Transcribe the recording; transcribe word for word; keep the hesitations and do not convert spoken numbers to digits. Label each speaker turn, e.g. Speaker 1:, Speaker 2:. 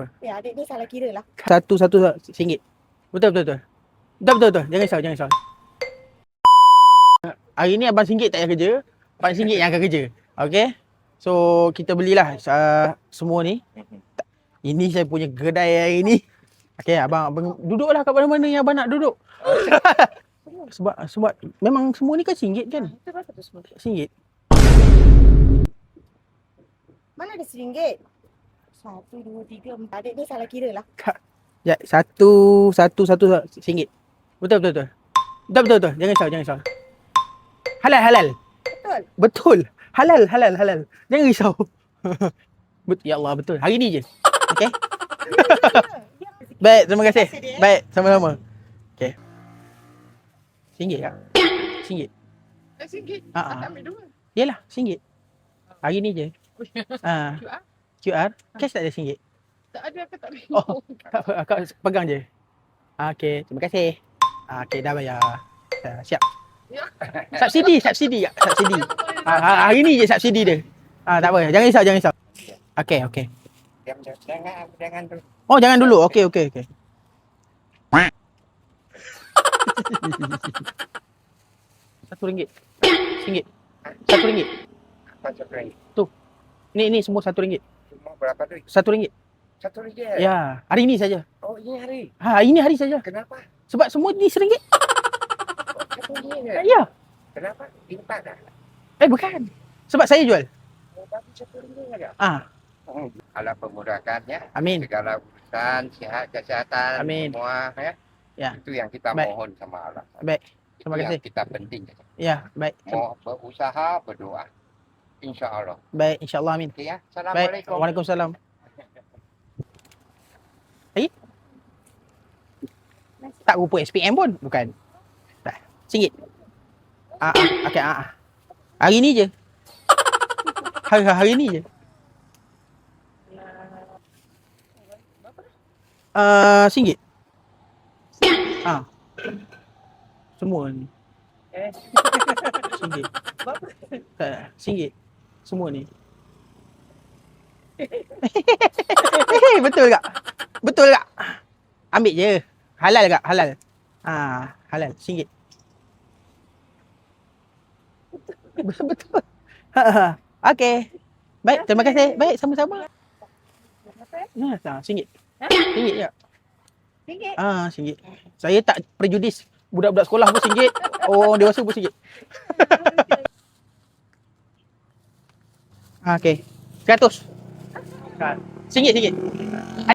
Speaker 1: apa?
Speaker 2: Ya, adik ni salah kira lah.
Speaker 1: Satu-satu singgit. Betul, betul, betul. Betul, betul, betul. Jangan risau, jangan risau. Hari ni abang singgit tak payah kerja. Abang singgit yang akan kerja. Okay? So, kita belilah uh, semua ni. Ini saya punya kedai hari ni. Okay, abang, abang duduklah kat mana-mana yang abang nak duduk. sebab sebab memang semua ni kan singgit kan?
Speaker 2: Itu berapa tu semua?
Speaker 1: Singgit.
Speaker 2: Mana ada seringgit? Satu, dua, tiga, empat. Adik ni salah kira lah.
Speaker 1: Ya, satu, satu, satu singgit. Betul, betul, betul. Betul, betul, betul. Jangan risau, jangan risau. Halal, halal.
Speaker 2: Betul.
Speaker 1: Betul. Halal, halal, halal. Jangan risau. Bet- ya Allah, betul. Hari ni je. Okay? Baik, terima kasih. Baik, sama-sama. Okay. Singgit kak? Singgit.
Speaker 3: Eh, singgit.
Speaker 1: Ah, ah.
Speaker 3: Tak ambil dua.
Speaker 1: Yelah, singgit. Hari ni je. Ah,
Speaker 3: Q R?
Speaker 1: Q R. Cash tak ada singgit.
Speaker 3: Tak ada, aku tak boleh.
Speaker 1: Oh, tak apa. Akak pegang je. Ah, okay, terima kasih. Ah, okay, dah bayar. Dah, siap.
Speaker 3: Ya.
Speaker 1: Subsidi, subsidi kak. Subsidi. Ah, hari ni je subsidi dia. Ah, tak apa. Jangan risau, jangan risau. Okay, okay.
Speaker 4: Jangan, jangan, jangan tu.
Speaker 1: Oh, jangan dulu. Okay, okay, okay. Satu ringgit. Singgit. Satu ringgit.
Speaker 4: Apa satu ringgit?
Speaker 1: Ni, ni semua satu ringgit.
Speaker 4: Semua berapa duit?
Speaker 1: Satu ringgit.
Speaker 4: Satu ringgit?
Speaker 1: Ya, hari ni saja.
Speaker 4: Oh, ini hari.
Speaker 1: Ha, hari ni hari saja.
Speaker 4: Kenapa?
Speaker 1: Sebab semua ni seringgit.
Speaker 4: Oh, satu ringgit je?
Speaker 1: Ya.
Speaker 4: Kenapa? Impak dah.
Speaker 1: Eh, bukan. Sebab saya jual.
Speaker 4: Oh, bagi satu ringgit aja.
Speaker 1: Ah,
Speaker 4: Hmm. Allah pemudahkannya.
Speaker 1: amin.
Speaker 4: Segala urusan, sihat, kesihatan,
Speaker 1: Amin.
Speaker 4: semua. Ya.
Speaker 1: Ya.
Speaker 4: Itu yang kita
Speaker 1: Baik.
Speaker 4: mohon sama Allah.
Speaker 1: Baik.
Speaker 4: Itu
Speaker 1: Terima
Speaker 4: yang
Speaker 1: kasih.
Speaker 4: kita penting.
Speaker 1: Ya, baik.
Speaker 4: Mau berusaha, berdoa. Insya Allah.
Speaker 1: Baik, insya-Allah amin.
Speaker 4: Okay, ya.
Speaker 1: Baik.
Speaker 4: Assalamualaikum.
Speaker 1: Waalaikumsalam. Eh? Tak rupa S P M pun, bukan. Dah. Singgit. Ah, ah. Okey, ah, ah. Hari ni je. Hari hari ni je. Uh, singgit. Ah. Semua ni.
Speaker 2: Eh.
Speaker 1: Singgit. Tak, singgit. Semua ni. Betul tak? Betul tak? Ambil je. Halal tak? Halal. Ah, halal. Singgit. Betul betul. Ha. Okey. Baik, terima kasih. Baik, sama-sama. Ya, tak, singgit. Singgit ya.
Speaker 2: Ringgit.
Speaker 1: Ah, singgit. Saya tak prejudis. Budak-budak sekolah pun singgit. Orang dewasa pun singgit. Ah, okey. Seratus. Singgit, singgit.